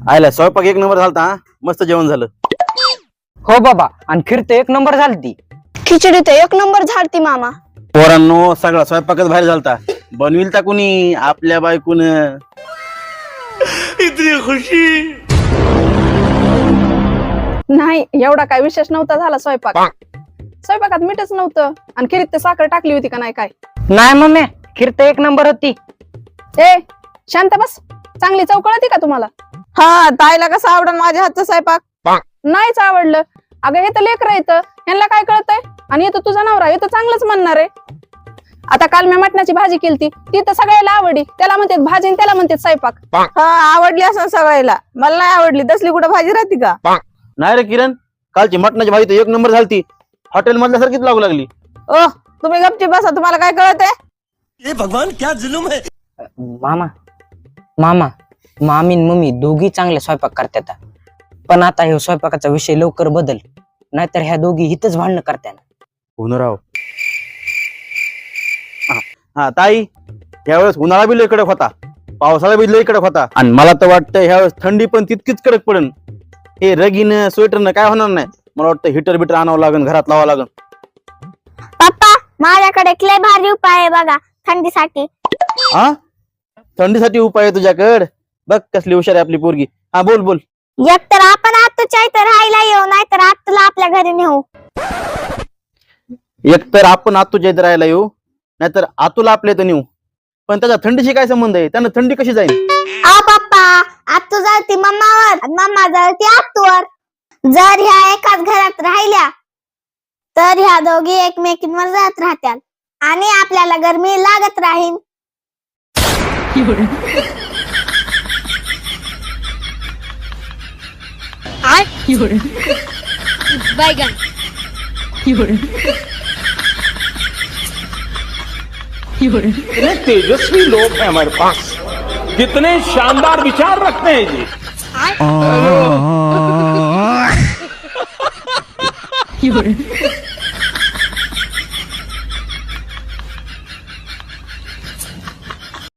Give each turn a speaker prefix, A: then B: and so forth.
A: आयला स्वयंपाक एक नंबर झालता हा. मस्त जेवण झालं.
B: हो बाबा, आणि खीर तर एक नंबर झालती.
C: खिचडी तर एक नंबर झालती मामा.
A: पोरांनो सगळा स्वयंपाकच बाहेर झालता. बनविल ता कुणी आपल्या बायकून. इतनी खुशी
D: नाही एवढा काय विशेष नव्हता झाला स्वयंपाकात मीठच नव्हतं आणि खिरीत ते साखर टाकली होती का नाही काय.
B: नाही मम्मी, खीर तर एक नंबर होती.
D: ए शांत बस, चांगली चव कळती का तुम्हाला?
C: हा, ताईला कसं आवडन माझ्या हातचा स्वयंपाक?
D: नाहीच आवडलं. अगं हे तर लेकर येतं, यांना काय कळतंय? आणि येतो तुझा नवरा, हे तर चांगलंच म्हणणार आहे. आता काल मी मटणाची भाजी केलती, ती तर सगळ्याला आवडली. त्याला म्हणतात भाजी आणि त्याला म्हणतात स्वयंपाक.
C: हा, आवडली असं सगळ्याला, मला नाही आवडली. तसली कुठं भाजी राहते का?
A: नाही रे किरण, कालची मटणाची भाजी तर एक नंबर झालती. हॉटेल मधल्या सारखीच लागू लागली.
C: ओ, तुम्ही गपची बसा, तुम्हाला काय कळत आहे?
E: ये भगवान क्या जुलुम है.
B: मामा मामी आणि मम्मी दोघी चांगले स्वयंपाक करतात. पण आता हे स्वयंपाकाचा विषय लवकर बदल, नाहीतर ह्या दोघी हितच भांडणं करतात.
A: राव. हा ताई, यावेळेस उन्हाळा बी लय कडक होता, पावसाळा बी लय कडक होता, आणि मला तर वाटतं ह्यावेळेस थंडी पण तितकीच कडक पडेल. हे रगीन स्वेटरनं काय होणार नाही. मला वाटतं हिटर बिटर आणावं लागेल, घरात लावावं लागेल.
F: पप्पा, माझ्याकडे एक लय भारी उपाय आहे बघा थंडीसाठी.
A: हा, थंडीसाठी उपाय आहे तुझ्याकडे? बघ कसली हुशार आहे आपली पोरगी. हा बोल बोल.
F: एक तर आपण आत्तूच्या इथं राहायला येऊ, नाहीतर आत्तूला आपल्या घरी नेऊ.
A: एकतर आपण आतूच्या इथे राहायला येऊ, नाहीतर आतूला आपल्या इथं नेऊ. पण त्याचा थंडीशी काय संबंध आहे? त्यानं थंडी कशी जाईल?
F: पप्पा, आत्तू जळती मम्मावर आणि मम्मा जळती आत्तूवर. जर ह्या एकाच घरात राहिल्या तर ह्या दोघी एकमेकींवर जात राहत्याल आणि आपल्याला गरमी लागत राहील.
G: इतने तेजस्वी लोग हैं हमारे पास, कितने शानदार विचार रखते हैं जी.
B: एवढं